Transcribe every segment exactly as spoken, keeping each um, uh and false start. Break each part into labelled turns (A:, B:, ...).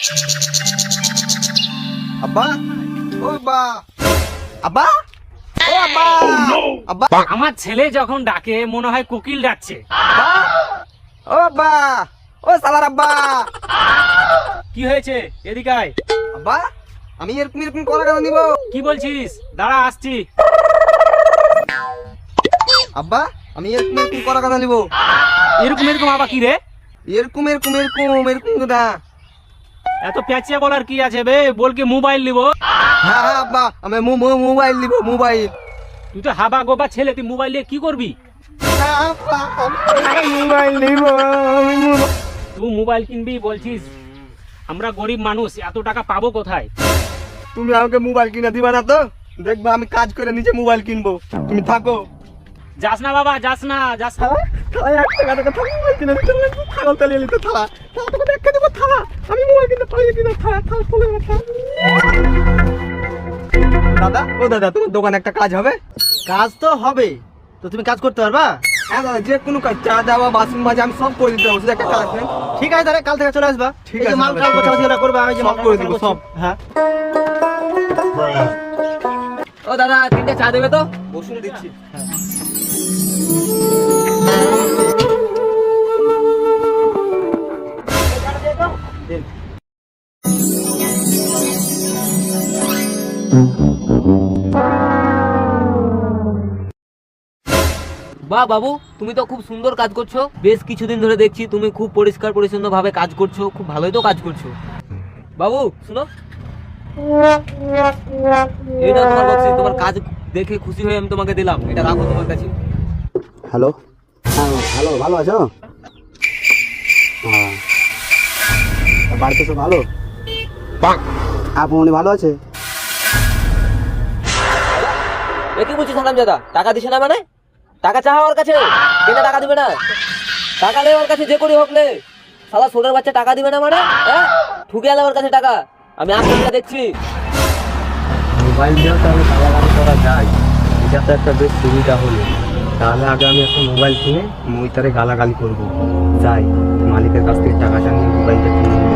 A: আব্বা, ও আব্বা, আব্বা, ও আব্বা, আব্বা,
B: আমার ছেলে যখন ডাকে মনে হয় কোকিল ডাকছে।
A: আব্বা, ও আব্বা, ও সালার আব্বা।
B: কি হয়েছে? এদিকে আয়।
A: আব্বা, আমি এরকম এরকম কলা কেন নিব?
B: কি বলছিস? দাঁড়া, আসছি।
A: আব্বা, আমি এরকম এরকম কলা কেন নিব?
B: এরকম এরকম আবার কি রে?
A: এরকম এরকম এরকম এরকম না।
B: এত প্যাচিয়া বলার কি আছে বে? বল কি মোবাইল নিব?
A: হ্যাঁ হ্যাঁ আব্বা, আমি মো- মো- মোবাইল নিব, মোবাইল।
B: তুই তো হাবা গোবা ছেলে, তুই মোবাইল নিয়ে কি করবি?
A: হ্যাঁ, আব্বা, আমি মোবাইল নিব, আমি মোবাইল।
B: তুই মোবাইল কিনবি বলছিস? আমরা গরিব মানুষ, এত টাকা পাবো কোথায়?
A: তুমি আমাকে মোবাইল কিনে দিবা না তো? দেখবা আমি কাজ করে নিজে মোবাইল কিনবো, তুমি থাকো।
B: যাস না বাবা, যাস না, যাস না।
A: থালা এক টাকা টাকা থালা মোবাইল কিনে দিতে লাগবে, ছাগল তালিয়ে নিতে থালা থালা তোকে দেখে দেবো থালা, আমি মোবাইল কিনতে পারি কিনা থালা থালা চলে গেছে। দাদা, ও দাদা, তোমার দোকানে একটা কাজ হবে?
C: কাজ তো হবে, তো তুমি কাজ করতে পারবা?
A: হ্যাঁ দাদা, যে কোনো কাজ, চা দেওয়া, বাসন মাজা, আমি সব করে দিতে পারবো, শুধু একটা কাজ নেই।
C: ঠিক আছে, তাহলে কাল থেকে চলে আসবা।
A: ঠিক
C: এই যে
A: আছে,
C: মাল
A: দাদা,
C: কাল
A: ঠিক
C: গোছাগুছি
A: আছে।
C: ওরা করবা, আমি যে
A: সব
C: মাল
A: করে
C: কাল
A: দিব,
C: গোছাচ্ছি।
A: সব।
C: হ্যাঁ।
A: ও দাদা, তিনটে চা দেবে তো? বসুন, দিচ্ছি।
D: বাহ বাবু, তুমি তো খুব সুন্দর কাজ করছো। বেশ কিছুদিন ধরে দেখছি তুমি খুব পরিষ্কার পরিচ্ছন্ন ভাবে কাজ করছো, খুব ভালোই তো কাজ করছো। বাবু শুনো, এই না তোমার বক্সিস, তোমার কাজ দেখে খুশি হয়ে আমি তোমাকে দিলাম, এটা রাখো তোমার কাছে।
C: হ্যালো, হ্যাঁ হ্যালো, ভালো আছো? হ্যাঁ, বাড়িতে সব ভালো? আপু উনি ভালো আছে?
D: এ কি বলছিস হারামজাদা? টাকা দিছে না মানে? টাকা চাহা ওর কাছে, কেন টাকা দিবে না? টাকা নেই ওর কাছে, যে করি হোক নে। শালা সোনার বাচ্চা টাকা দিবে না মানে? হ্যাঁ, ঠুকে আলে ওর কাছে টাকা। আমি আপনাকে দেখছি।
E: মোবাইল দিয়েও তাহলে গালাগালি করা যায়, এটা তো একটা বেশ সুবিধা হলো। তাহলে আগে আমি একটা মোবাইল কিনে মইতারে গালাগালি করব। যাই, মালিকের কাছ থেকে টাকাটা নিয়ে মোবাইলটা কিনে নিয়ে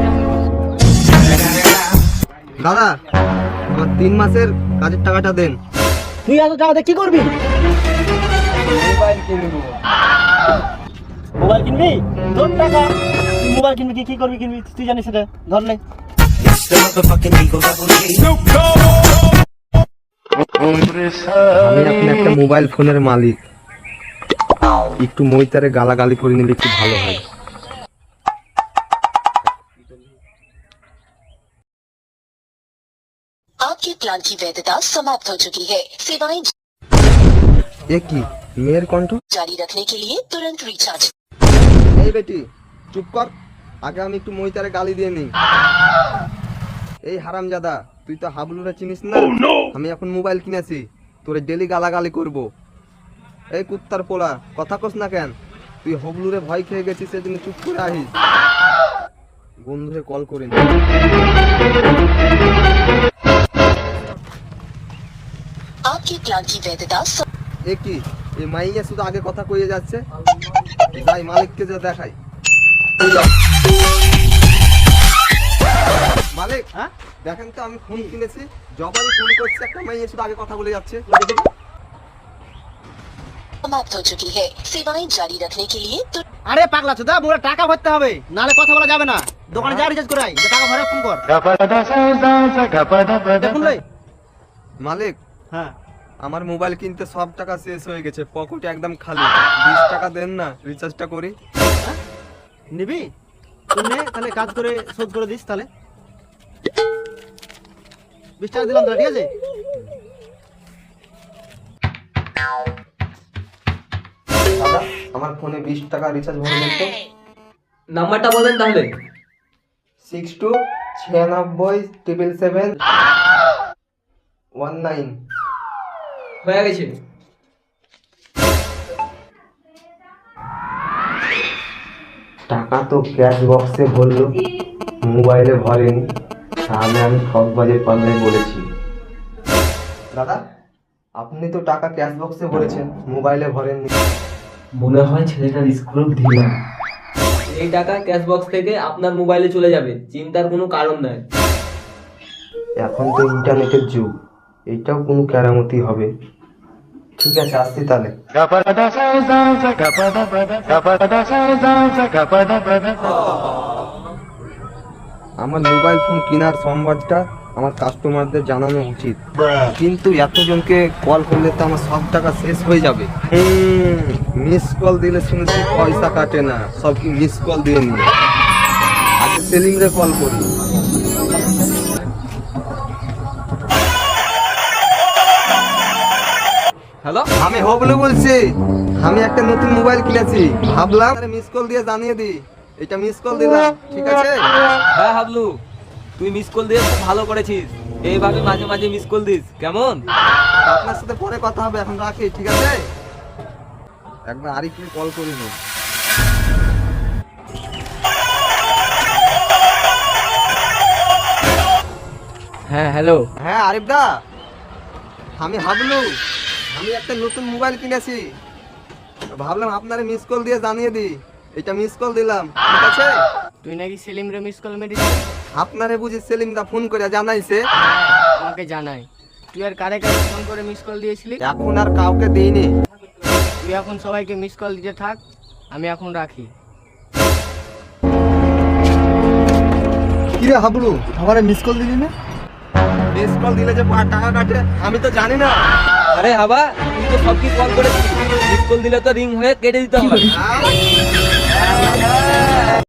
E: আসি।
A: দাদা, আমার তিন মাসের কাজের টাকাটা দেন।
C: তুই এত টাকাতে কি করবি?
A: মোবাইল কিনবো।
C: মোবাইল কিনবি? তোর টাকা, তুই মোবাইল কিনবি, কি কি করবি কিনবি তুই জানিস সেটা, ধর নে।
A: আমি এখন একটা মোবাইল ফোনের মালিক, একটু মইতারে গালাগালি করে নিলে একটু ভালো হয়।
F: आपके प्लान की वैधता समाप्त हो चुकी है। सेवाएं
A: এ কি মেয়ের কণ্ঠ?
F: जारी रखने के लिए तुरंत रिचार्ज।
A: এই বেটি, চুপ কর, আগে আমি একটু মইতারে গালি দিয়ে নিই। এই হারামজাদা, তুই তো হাবলুরা চিনিস না? আমি এখন মোবাইল কিনেছি, তোরে ডেলি গালাগালি করব। এই কুত্তার পোলা, কথা কস না কেন? তুই হবলুরে ভয় খেয়ে গেছিস, সেজন্য চুপ করে আহিস। বন্ধুরে কল করে নি।
F: आपके प्लान की वैधता स-
A: এ কি, এই মাইয়া শুধু আগে কথা কইয়ে যাচ্ছে। যাই মালিককে যা দেখাই। মালিক,
C: হ্যাঁ?
A: দেখেন তো আমি ফোন কিনেছি, যখনই ফোন করছে একটা মাইয়া শুধু আগে কথা বলে যাচ্ছে।
F: समाप्त हो चुकी है। सेवाएं जारी रखने के लिए तुरंत
C: আরে পাগলা চোদা, মোরা টাকা ভরতে হবে, নালে কথা বলা যাবে না। দোকানে যা রিচার্জ করাই, যে টাকা ভরে ফোন কর। দেখুন রে।
A: মালিক,
C: হ্যাঁ,
A: আমার মোবাইল কিনতে সব টাকা শেষ হয়ে গেছে, পকেটে একদম খালি। বিশ টাকা দেন না, রিচার্জটা করি।
C: নিবি? তুই নে, তাহলে কাজ করে শোধ করে দিস তাহলে। বিশ টাকা দিলাম তাহলে, ঠিক আছে?
A: দাদা, আমার ফোনে বিশ টাকা রিচার্জ ভরে দেন তো।
D: নাম্বারটা বলেন তাহলে।
A: সিক্স টু ছিয়ানব্বই ট্রিপল সেভেন ওয়ান নাইন।
D: হয়ে গেছে।
E: টাকা তো ক্যাশ বক্সে ভরলো, মোবাইলে ভরেনি, তাহলে আমি ঠকবাজের পাল্লায় বলেছি।
A: দাদা, আপনি তো টাকা ক্যাশ বক্সে ভরেছেন, মোবাইলে ভরেননি।
E: মনে হয় ছেলেটার স্ক্রু ঢিলা।
D: এই টাকা ক্যাশ বক্স থেকে আপনার মোবাইলে চলে যাবে, চিন্তার কোনো কারণ নাই।
E: এখন তো ইন্টারনেটের যুগ, এইটাও কোনো কেরামতি হবে। ঠিক আছে, আসছি তাহলে।
A: আমার মোবাইল ফোন কেনার সংবাদটা আমার কাস্টমারদের জানানো উচিত, কিন্তু এতজনকে কল করলে তো আমার সব টাকা শেষ হয়ে যাবে। মিস কল দিলে শুনেছি পয়সা কাটে না, সব কি মিস কল দিয়ে নি। আগে সেলিংরে কল করি।
D: হ্যালো,
A: আমি হবলু বলছি, আমি একটা নতুন মোবাইল কিনেছি, ভাবলাম মিস কল দিয়ে জানিয়ে দিই। এটা মিস কল দিলাম, ঠিক আছে?
D: হ্যাঁ হাবলু, তুই মিস কল দিয়ে খুব ভালো করেছিস। এইভাবে মাঝে মাঝে মিস কল দিস, কেমন?
A: আপনার সাথে পরে কথা হবে, এখন রাখি, ঠিক আছে? একবার আরিফকে কল করি নি।
E: হ্যাঁ হ্যালো।
A: হ্যাঁ আরিফ দা, আমি হাবলু, আমি একটা নতুন মোবাইল কিনেছি, ভাবলাম আপনারে মিস কল দিয়ে জানিয়ে দিই। এটা মিস কল দিলাম, ঠিক আছে?
G: তুই নাকি সেলিম রে মিস কল মেরেছিস?
A: আপনারে বুঝি সেলিম দা ফোন করে জানাইছে?
G: আমাকে জানাই। তুই আর কারে কারে ফোন করে মিস কল দিয়েছিলি?
A: এখন আর কাউকে দিইনি।
G: তুই এখন সবাইকে মিস কল দিতে থাক, আমি এখন রাখি।
A: কিরে হাবলু, আমারে মিস কল দিলি না? মিস কল দিলে যে পা- টাকা কাটে আমি তো জানি না।
D: আরে হাবা, তুই তো সব কি কল করেছিস, মিস কল দিলে তো রিং হয়ে কেটে দিতে হবে।
A: আহ!